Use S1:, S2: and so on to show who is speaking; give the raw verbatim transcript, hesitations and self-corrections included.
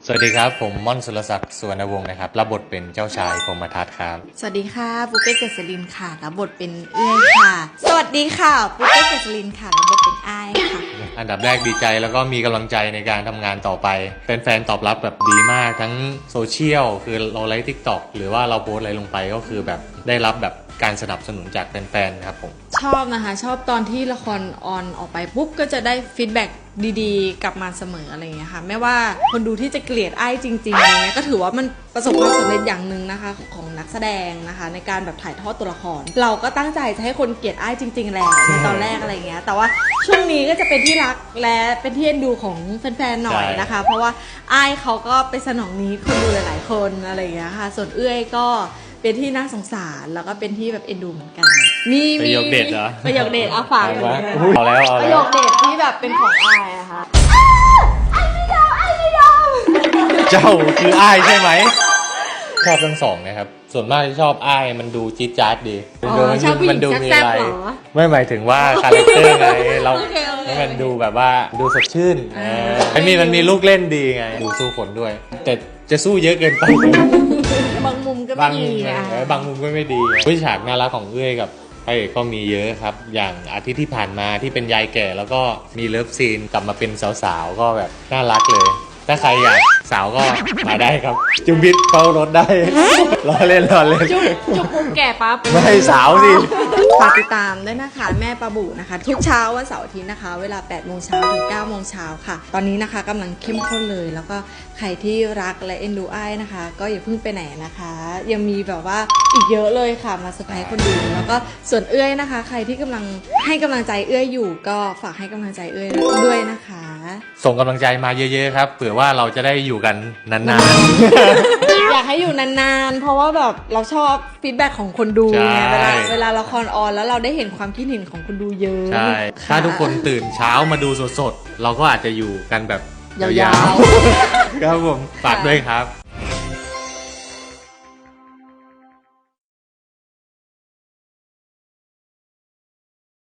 S1: สวัสดีครับผมม่อนสุรศักดิ์สุวรรณวงศ์นะครับรับบทเป็นเจ้าชายพรหมทัตครับ
S2: สวัสดีค่ะปุ๊กเป้เกษรินค่ะรับบทเป็นเอื้อยค่ะ สวัสดีค่ะปุ๊กเป้เกษรินค่ะรับบทเป็นอ้ายค่ะ
S1: อันดับแรกดีใจแล้วก็มีกำลังใจในการทำงานต่อไปแฟนๆตอบรับแบบดีมากทั้งโซเชียลคือเราไลฟ์ทิกตอกหรือว่าเราโพสอะไรลงไปก็คือแบบได้รับแบบการสนับสนุนจากแฟนๆครับผม
S2: ชอบนะคะชอบตอนที่ละครออนออกไปปุ๊บก็จะได้ฟีดแบ็กดีๆ กลับมาเสมออะไรอย่างเงี้ยค่ะไม่ว่าคนดูที่จะเกลียดไอ้จริงๆอะไรเงี้ยก็ถือว่ามันประสบความสำเร็จอย่างหนึ่งนะคะของนักแสดงนะคะในการแบบถ่ายทอดตัวละคร เราก็ตั้งใจจะให้คนเกลียดไอ้จริงๆแหละในตอนแรกอะไรเงี้ยแต่ว่าช่วงนี้ก็จะเป็นที่รักและเป็นที่เอ็นดูของแฟนๆหน่อยนะคะ เพราะว่าไอ้เขาก็ไปสนองนี้คนดูหลายๆคนอะไรอย่างเงี้ยค่ะส่วนเอื้อยก็เป็นที่น่าสงสารแล้วก็เป็นที่แบบเอ็นดูเหมือนกันมี
S1: ประโยคเด็ดเหรอ
S2: ประโยคเด็ดเอาฟัง
S1: เอาละเอาแล้วเอา
S2: ประ
S1: แล้
S2: โยว คเด็ดที่แบบเป็นของอายอะค่ะไอ้ไม่ยอมไอ้ไม่ยอม
S1: เจ้าคืออ้ายใช่ไหมชอบทั้งสองนะครับส่วนมากที่ชอบอ้ายมันดูจี๊ดจ๊าดดี
S2: อ๋อชอบผู้หญิง
S1: ดู
S2: แซ่บๆเหรอ
S1: ไม่หมายถึงว่าคาแรคเตอร์ไงเรา
S2: โอเคโอเค
S1: ให้มันดูแบบว่าดูสดชื่น
S2: อ่า
S1: เออมันมีมันมีลูกเล่นดีไงดูสู้คนด้วย แต่จะสู้เยอะเกินไป
S2: บางมุมก็
S1: บา
S2: ไม่
S1: งมุ
S2: ดี
S1: ม
S2: อะ
S1: เออบางมุมก็ไม่ดีวิฉากน่ารักของเอื้อยกับพระเอกก็มีเยอะครับ อย่างอาทิตย์ที่ผ่านมาที่เป็นยายแก่แล้วก็มีเลิฟซีนกลับมาเป็นสาวๆก็แบบน่ารักเลย ถ้าใครอยากสาวก็มาได้ครับ จุมพิษเฝ้ารถได้ รอเล่นรอเล่น
S2: จุ๊บจุ๊บปุ๊บแก่ปั๊บ
S1: ไม่ให้สาวสิ
S2: ฝากติดตามด้วยนะคะแม่ปลาบูนะคะ ทุกเช้าวันเสาร์อาทิตย์นะคะ เวลาแปดโมงเช้าถึงเก้าโมงเช้าค่ะ ตอนนี้นะคะกำลังเข้มข้นเลย แล้วก็ใครที่รักและเอ็นดูอ้ายนะคะ ก็อย่าเพิ่งไปไหนนะคะ ยังมีแบบว่าอีกเยอะเลยค่ะมาเซอร์ไพรส์คนดูแล้วก็ส่วนเอื้อยนะคะ ใครที่กำลังให้กำลังใจเอื้อยอยู่ ก็ฝากให้กำลังใจเอื้อยด้วยนะคะ
S1: ส่งกำลังใจมาเยอะๆครับเผื่อว่าเราจะได้อยู่กันนาน
S2: อยากให้อยู่นานๆ เพราะว่าแบบเราชอบฟีดแบ็กของคนดูไง
S1: ใช่
S2: เวลาเวลาละครออนแล้วเราได้เห็นความคิดเห็นของคนดูเยอะ
S1: ๆใช่ถ้าทุกคนตื่นเช้ามาดูสดๆ เราก็อาจจะอยู่กันแบบ
S2: ยาวๆ
S1: ๆ ครับผมฝากด้วยครับ